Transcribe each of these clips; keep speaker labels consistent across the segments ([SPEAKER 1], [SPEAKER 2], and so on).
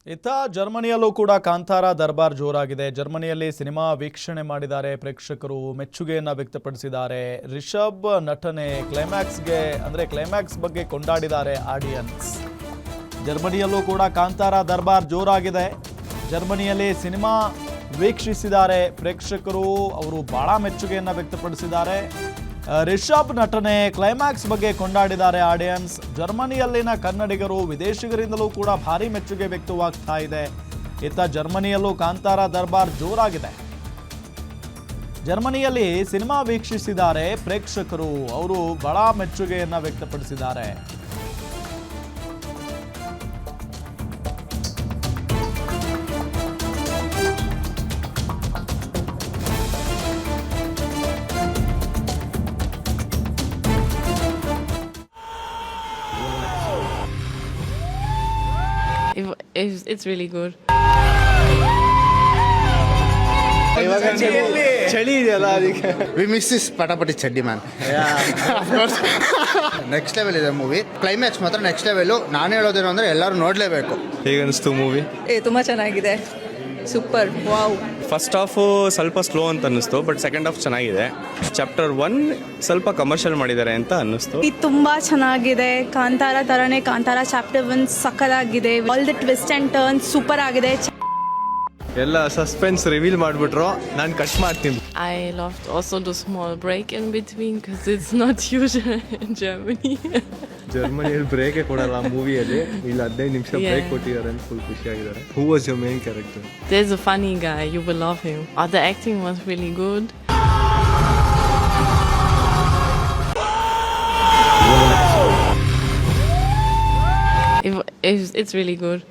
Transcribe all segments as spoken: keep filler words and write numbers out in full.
[SPEAKER 1] ಇತ್ತ ಜರ್ಮನಿಯಲ್ಲೂ ಕೂಡ ಕಾಂತಾರ ದರ್ಬಾರ್ ಜೋರಾಗಿದೆ. ಜರ್ಮನಿಯಲ್ಲಿ ಸಿನಿಮಾ ವೀಕ್ಷಣೆ ಮಾಡಿದ್ದಾರೆ ಪ್ರೇಕ್ಷಕರು, ಮೆಚ್ಚುಗೆಯನ್ನ ವ್ಯಕ್ತಪಡಿಸಿದ್ದಾರೆ. ರಿಷಬ್ ನಟನೆ ಕ್ಲೈಮ್ಯಾಕ್ಸ್ಗೆ ಅಂದ್ರೆ ಕ್ಲೈಮ್ಯಾಕ್ಸ್ ಬಗ್ಗೆ ಕೊಂಡಾಡಿದ್ದಾರೆ ಆಡಿಯನ್ಸ್. ಜರ್ಮನಿಯಲ್ಲೂ ಕೂಡ ಕಾಂತಾರ ದರ್ಬಾರ್ ಜೋರಾಗಿದೆ. ಜರ್ಮನಿಯಲ್ಲಿ ಸಿನಿಮಾ ವೀಕ್ಷಿಸಿದ್ದಾರೆ ಪ್ರೇಕ್ಷಕರು, ಅವರು ಬಹಳ ಮೆಚ್ಚುಗೆಯನ್ನ ವ್ಯಕ್ತಪಡಿಸಿದ್ದಾರೆ. ರಿಷಬ್ ನಟನೆ ಕ್ಲೈಮ್ಯಾಕ್ಸ್ ಬಗ್ಗೆ ಕೊಂಡಾಡಿದ್ದಾರೆ ಆಡಿಯನ್ಸ್. ಜರ್ಮನಿಯಲ್ಲಿನ ಕನ್ನಡಿಗರು ವಿದೇಶಿಗರಿಂದಲೂ ಕೂಡ ಭಾರಿ ಮೆಚ್ಚುಗೆ ವ್ಯಕ್ತವಾಗ್ತಾ ಇದೆ. ಇತ್ತ ಜರ್ಮನಿಯಲ್ಲೂ ಕಾಂತಾರ ದರ್ಬಾರ್ ಜೋರಾಗಿದೆ. ಜರ್ಮನಿಯಲ್ಲಿ ಸಿನಿಮಾ ವೀಕ್ಷಿಸಿದ್ದಾರೆ ಪ್ರೇಕ್ಷಕರು, ಅವರು ಬಹಳ ಮೆಚ್ಚುಗೆಯನ್ನ ವ್ಯಕ್ತಪಡಿಸಿದ್ದಾರೆ.
[SPEAKER 2] It's, it's really good.
[SPEAKER 3] ಚಳಿ ಇದೆಯಲ್ಲ ಅದಕ್ಕೆ
[SPEAKER 4] ವಿ ಮಿಸ್ ದಿಸ್ ಪಟಾಪಟಿ ಚಡ್ಡಿ ಮ್ಯಾನ್. ನೆಕ್ಸ್ಟ್ ಲೆವೆಲ್ ಇದೆ ಮೂವಿ. ಕ್ಲೈಮ್ಯಾಕ್ಸ್ ಮಾತ್ರ ನೆಕ್ಸ್ಟ್ ಲೆವೆಲ್. ನಾನು ಹೇಳೋದೇನು ಅಂದ್ರೆ ಎಲ್ಲರೂ ನೋಡ್ಲೇಬೇಕು.
[SPEAKER 3] ಹೇಗನ್ನಿಸ್ತು ಮೂವಿ?
[SPEAKER 5] ಏ ತುಂಬಾ ಚೆನ್ನಾಗಿದೆ, ಸೂಪರ್, ವಾವ್.
[SPEAKER 6] ಫಸ್ಟ್ ಹಾಫು ಸ್ವಲ್ಪ ಸ್ಲೋ ಅಂತ ಅನ್ನಿಸ್ತು, ಬಟ್ ಸೆಕೆಂಡ್ ಹಾಫ್ ಚೆನ್ನಾಗಿದೆ. ಚಾಪ್ಟರ್ ಒನ್ ಸ್ವಲ್ಪ ಕಮರ್ಷಿಯಲ್ ಮಾಡಿದ್ದಾರೆ ಅಂತ ಅನ್ನಿಸ್ತು.
[SPEAKER 7] ಇದು ತುಂಬಾ ಚೆನ್ನಾಗಿದೆ, ಕಾಂತಾರ ತರನೇ ಕಾಂತಾರ ಚಾಪ್ಟರ್ ಒನ್ ಸಕ್ಕದಾಗಿದೆ. All the twist and turn super ಆಗಿದೆ.
[SPEAKER 3] ಎಲ್ಲ ಸಸ್ಪೆನ್ಸ್ ರಿವೀಲ್ ಮಾಡಿಬಿಟ್ರು, ನಾನು ಕಟ್ ಮಾಡ್ತೀನಿ.
[SPEAKER 2] I loved also the small break in between because it's not usual in Germany.
[SPEAKER 3] ಜರ್ಮನಿಯಲ್ಲಿ ಬ್ರೇಕೇ ಕೊಡಲ್ಲ ಮೂವಿಯಲ್ಲಿ, ಇಲ್ಲಿ ಹದಿನೈದು ನಿಮಿಷ
[SPEAKER 2] Yeah.
[SPEAKER 3] ಬ್ರೇಕ್ ಕೊಟ್ಟಿದ್ದಾರೆ ಅಂತ ಫುಲ್ ಖುಷಿಯಾಗಿದ್ದಾರೆ. Who was your main character?
[SPEAKER 2] There's a funny guy, you will love him. Oh, the acting was really good. It, it's, it's really good.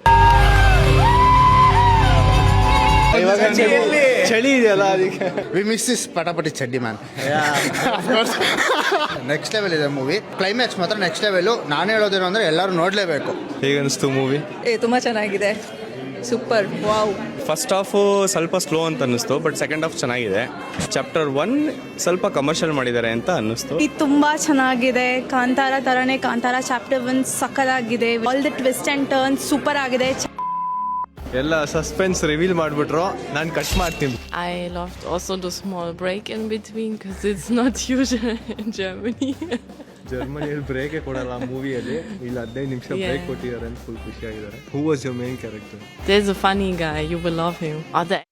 [SPEAKER 3] ಚಳಿ ಇದೆಯಲ್ಲ ಅದಕ್ಕೆ
[SPEAKER 4] ವಿ ಮಿಸ್ ದಿಸ್ ಪಟಾಪಟಿ ಚಡ್ಡಿ ಮ್ಯಾನ್. ನೆಕ್ಸ್ಟ್ ಲೆವೆಲ್ ಇದೆ movie. Climax ಮಾತ್ರ next level. ನಾನು ಹೇಳೋದೇನು ಅಂದ್ರೆ ಎಲ್ಲರೂ ನೋಡ್ಲೇಬೇಕು.
[SPEAKER 3] ಹೇಗನ್ನಿಸ್ತು ಮೂವಿ?
[SPEAKER 5] ಏ ತುಂಬಾ ಚೆನ್ನಾಗಿದೆ, ಸೂಪರ್, ವಾವ್.
[SPEAKER 6] ಫಸ್ಟ್ ಹಾಫು ಸ್ವಲ್ಪ ಸ್ಲೋ ಅಂತ ಅನ್ನಿಸ್ತು, ಬಟ್ ಸೆಕೆಂಡ್ ಹಾಫ್ ಚೆನ್ನಾಗಿದೆ. ಚಾಪ್ಟರ್ ಒನ್ ಸ್ವಲ್ಪ ಕಮರ್ಷಿಯಲ್ ಮಾಡಿದ್ದಾರೆ ಅಂತ ಅನ್ನಿಸ್ತು.
[SPEAKER 7] ಇದು ತುಂಬಾ ಚೆನ್ನಾಗಿದೆ, ಕಾಂತಾರ ತರನೇ ಕಾಂತಾರ ಚಾಪ್ಟರ್ ಒನ್ ಸಕ್ಕದಾಗಿದೆ. All the twist and turn super ಆಗಿದೆ.
[SPEAKER 3] ಎಲ್ಲ ಸಸ್ಪೆನ್ಸ್ ರಿವೀಲ್ ಮಾಡಿಬಿಟ್ರು, ನಾನು ಕಟ್ ಮಾಡ್ತೀನಿ.
[SPEAKER 2] I loved also the small break in between because it's not usual in Germany.
[SPEAKER 3] ಜರ್ಮನಿಯಲ್ಲಿ ಬ್ರೇಕೇ ಕೊಡಲ್ಲ ಮೂವಿಯಲ್ಲಿ, ಇಲ್ಲಿ ಹದಿನೈದು ನಿಮಿಷ
[SPEAKER 2] Yeah.
[SPEAKER 3] ಬ್ರೇಕ್ ಕೊಟ್ಟಿದ್ದಾರೆ ಅಂತ ಫುಲ್ ಖುಷಿಯಾಗಿದ್ದಾರೆ. Who was your main character?
[SPEAKER 2] There's a funny guy, you will love him. Oh, the